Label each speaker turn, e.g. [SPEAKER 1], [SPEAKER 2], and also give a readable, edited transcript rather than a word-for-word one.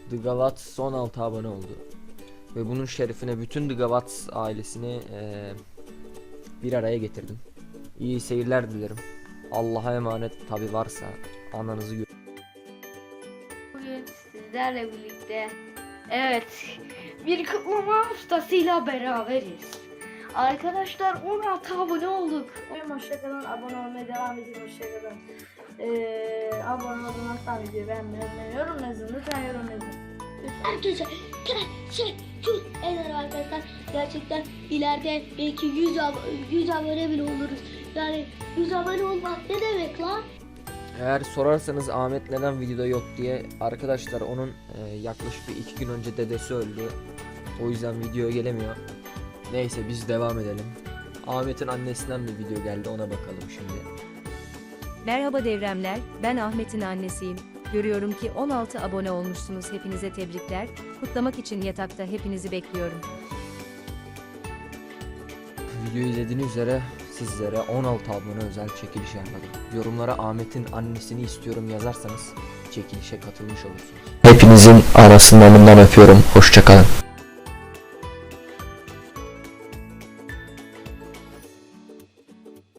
[SPEAKER 1] The Gavats 16 abone oldu. Ve bunun şerefine bütün The Gavats ailesini bir araya getirdim. İyi seyirler dilerim. Allah'a emanet, tabi varsa ananızı gör.
[SPEAKER 2] Bugün sizlerle birlikte bir kutlama ustasıyla beraberiz. Arkadaşlar 16 abone olduk. Hoşçakalın, abone olmaya devam edin, hoşçakalın. Abone olmaktan videoyu beğenmeyi, yorum yazın, lütfen yorum yazın.
[SPEAKER 3] Arkadaşlar teşekkür ederim arkadaşlar. Gerçekten ileride belki 100 abone bile oluruz. Yani 100 abone olmak ne demek lan?
[SPEAKER 1] Eğer sorarsanız Ahmet neden videoda yok diye, arkadaşlar onun yaklaşık bir 2 gün önce dedesi öldü. O yüzden videoya gelemiyor. Neyse biz devam edelim. Ahmet'in annesinden bir video geldi, ona bakalım şimdi.
[SPEAKER 4] Merhaba devremler, ben Ahmet'in annesiyim. Görüyorum ki 16 abone olmuşsunuz, hepinize tebrikler. Kutlamak için yatakta hepinizi bekliyorum.
[SPEAKER 1] Videoyu izlediğiniz üzere sizlere 16 abone özel çekiliş yapmadım. Yorumlara Ahmet'in annesini istiyorum yazarsanız çekilişe katılmış olursunuz. Hepinizin anasından öpüyorum. Hoşça kalın.